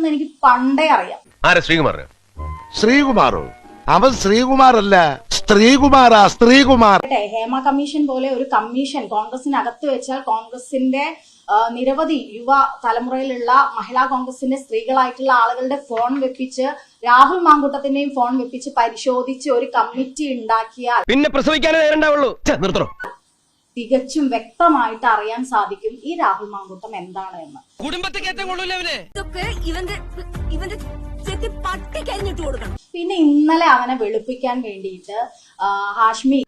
ആരാണെന്ന് എനിക്ക് പണ്ടേ അറിയാം. ശ്രീകുമാറോ? അവൻ ശ്രീകുമാറല്ല, സ്ത്രീകുമാറാ, സ്ത്രീകുമാർ. ഹേമ കമ്മീഷൻ പോലെ ഒരു കമ്മീഷൻ കോൺഗ്രസിനകത്ത് വെച്ചാൽ കോൺഗ്രസിന്റെ നിരവധി യുവ തലമുറയിലുള്ള മഹിളാ കോൺഗ്രസിന്റെ സ്ത്രീകളായിട്ടുള്ള ആളുകളുടെ ഫോൺ വെപ്പിച്ച് രാഹുൽ മാങ്കൂട്ടത്തിന്റെയും ഫോൺ വെപ്പിച്ച് പരിശോധിച്ച് ഒരു കമ്മിറ്റി ഉണ്ടാക്കിയാൽ പിന്നെ പ്രസവിക്കാനേ നേരണ്ടാവുള്ളൂ. തികച്ചും വ്യക്തമായിട്ട് അറിയാൻ സാധിക്കും ഈ രാഹുൽ മാങ്കൂട്ടം എന്താണ് എന്ന്. പിന്നെ ഇന്നലെ അവനെ വെളുപ്പിക്കാൻ വേണ്ടിയിട്ട് ഹാഷ്മി,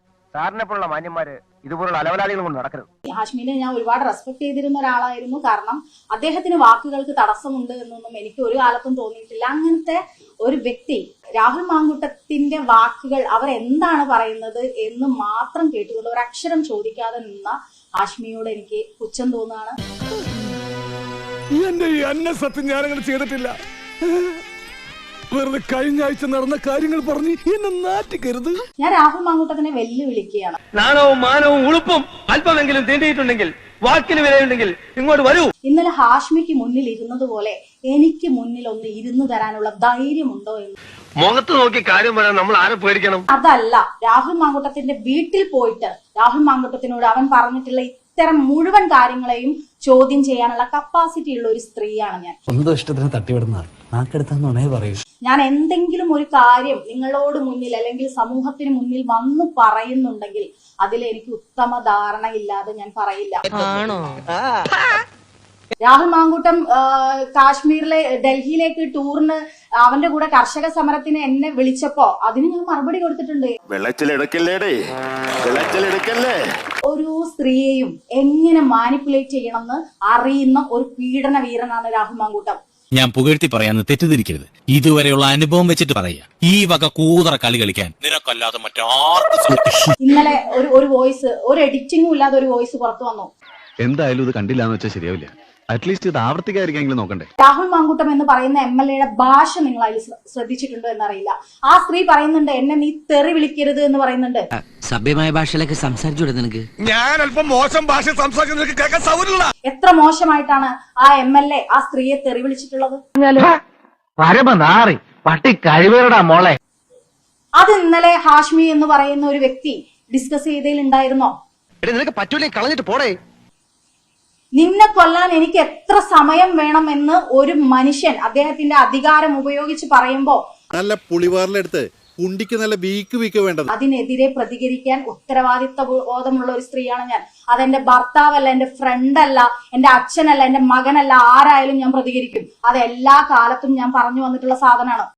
ഹാഷ്മിനെ ഞാൻ ഒരുപാട് റെസ്പെക്ട് ചെയ്തിരുന്ന ഒരാളായിരുന്നു. കാരണം അദ്ദേഹത്തിന് വാക്കുകൾക്ക് തടസ്സമുണ്ട് എന്നൊന്നും എനിക്ക് ഒരു കാലത്തും തോന്നിയിട്ടില്ല. അങ്ങനത്തെ ഒരു വ്യക്തി രാഹുൽ മാങ്കൂട്ടത്തിന്റെ വാക്കുകൾ അവർ എന്താണ് പറയുന്നത് എന്ന് മാത്രം കേട്ടുകൊണ്ട് ഒരു അക്ഷരം ചോദിക്കാതെ നിന്ന ഹാഷ്മിയോട് എനിക്ക് പുച്ഛം തോന്നുകയാണ്. സത്യം ഞാനങ്ങനെ ചെയ്തിട്ടില്ല. വെറുതെ കഴിഞ്ഞ ആഴ്ച നടന്ന കാര്യങ്ങൾ പറഞ്ഞ് എന്നെ നാറ്റിക്കരുത്. ഞാൻ രാഹുൽ മാങ്കൂട്ടത്തിനെ വെല്ലുവിളിക്കുകയാണ്. നാണവും മാനവും ഉളുപ്പും അല്പമെങ്കിലും തീണ്ടിയിട്ടുണ്ടെങ്കിൽ, വാക്കിന് വിലയുണ്ടെങ്കിൽ ഇങ്ങോട്ട് വരൂ. ഇന്നലെ ഹാഷ്മിക്ക് മുന്നിൽ ഇരുന്നതുപോലെ എനിക്ക് മുന്നിൽ ഒന്ന് ഇരുന്നു തരാനുള്ള ധൈര്യമുണ്ടോ എന്ന്. മുഖത്ത് നോക്കി കാര്യം പറയാൻ നമ്മൾ ആരെ പേടിക്കണം? അതല്ല, രാഹുൽ മാങ്കൂട്ടത്തിന്റെ വീട്ടിൽ പോയിട്ട് രാഹുൽ മാങ്കൂട്ടത്തിനോട് അവൻ പറഞ്ഞിട്ടുള്ള ഇത്തരം മുഴുവൻ കാര്യങ്ങളെയും ചോദ്യം ചെയ്യാനുള്ള കപ്പാസിറ്റി ഉള്ള ഒരു സ്ത്രീയാണ് ഞാൻ. സ്വന്തം ഇഷ്ടത്തിന് തട്ടിവിടുന്ന നാക്കെടുത്താന്നുണേ പറയൂ. ഞാൻ എന്തെങ്കിലും ഒരു കാര്യം നിങ്ങളോട് മുന്നിൽ അല്ലെങ്കിൽ സമൂഹത്തിന് മുന്നിൽ വന്നു പറയുന്നുണ്ടെങ്കിൽ അതിൽ എനിക്ക് ഉത്തമ ധാരണയില്ലാതെ ഞാൻ പറയില്ല. രാഹുൽ മാങ്കൂട്ടം കാശ്മീരിലെ ഡൽഹിയിലേക്ക് ടൂറിന് അവന്റെ കൂടെ കർഷക സമരത്തിന് എന്നെ വിളിച്ചപ്പോ അതിന് ഞാൻ മറുപടി കൊടുത്തിട്ടുണ്ട്. ഒരു സ്ത്രീയെയും എങ്ങനെ മാനിപ്പുലേറ്റ് ചെയ്യണമെന്ന് അറിയുന്ന ഒരു പീഡന വീരനാണ് രാഹുൽ മാങ്കൂട്ടം. ഞാൻ പുകഴ്ത്തി പറയാന്ന് തെറ്റിദ്ധരിക്കരുത്. ഇതുവരെയുള്ള അനുഭവം വെച്ചിട്ട് പറയാ, ഈ വക കൂതറ കളി കളിക്കാൻ നിനക്കല്ലാതെ മറ്റാർക്കും. ഇന്നലെ ഒരു വോയിസ്, ഒരു എഡിറ്റിംഗും ഇല്ലാതെ ഒരു വോയിസ് പുറത്തു വന്നു. എന്തായാലും ഇത് കണ്ടില്ലാന്ന് വെച്ചാൽ ശരിയാവില്ല. അറ്റ്ലീസ്റ്റ് ഇത് ആവർത്തിക്കാതിരിക്കെങ്കിലും നോക്കണ്ടേ. രാഹുൽ മാങ്കൂട്ടം എന്ന് പറയുന്ന MLA ഭാഷ നിങ്ങൾ അതിൽ ശ്രദ്ധിച്ചിട്ടുണ്ടോ എന്നറിയില്ല. ആ സ്ത്രീ പറയുന്നുണ്ട് എന്നെ നീ തെറി വിളിക്കരുത് എന്ന് പറയുന്നുണ്ട്. സഭ്യമായ ഭാഷയിലൊക്കെ സംസാരിച്ചൂടെ നിനക്ക്? ഞാൻ അല്പം മോശം ഭാഷ സംസാരിക്കുന്നത് കേൾക്കാൻ സൗകര്യമില്ല. എത്ര മോശമായിട്ടാണ് ആ MLA ആ സ്ത്രീയെ തെറി വിളിച്ചിട്ടുള്ളത്. പട്ടി കഴിവേറടാ മോളെ. അത് ഇന്നലെ ഹാഷ്മി എന്ന് പറയുന്ന ഒരു വ്യക്തി ഡിസ്കസ് ചെയ്തതിൽ ഉണ്ടായിരുന്നോ? നിനക്ക് പറ്റൂലേ, കളഞ്ഞിട്ട് പോടേ. നിന്നെ കൊല്ലാൻ എനിക്ക് എത്ര സമയം വേണം എന്ന് ഒരു മനുഷ്യൻ അദ്ദേഹത്തിന്റെ അധികാരം ഉപയോഗിച്ച് പറയുമ്പോ നല്ല പുളിവാറിലെടുത്ത് കുണ്ടിക്ക് നല്ല വീക്ക് വേണ്ടത്. അതിനെതിരെ പ്രതികരിക്കാൻ ഉത്തരവാദിത്വ ബോധമുള്ള ഒരു സ്ത്രീയാണ് ഞാൻ. അതെന്റെ ഭർത്താവല്ല, എന്റെ ഫ്രണ്ട് അല്ല, എന്റെ അച്ഛനല്ല, എന്റെ മകനല്ല, ആരായാലും ഞാൻ പ്രതികരിക്കും. അത് എല്ലാ കാലത്തും ഞാൻ പറഞ്ഞു വന്നിട്ടുള്ള സാധനമാണ്.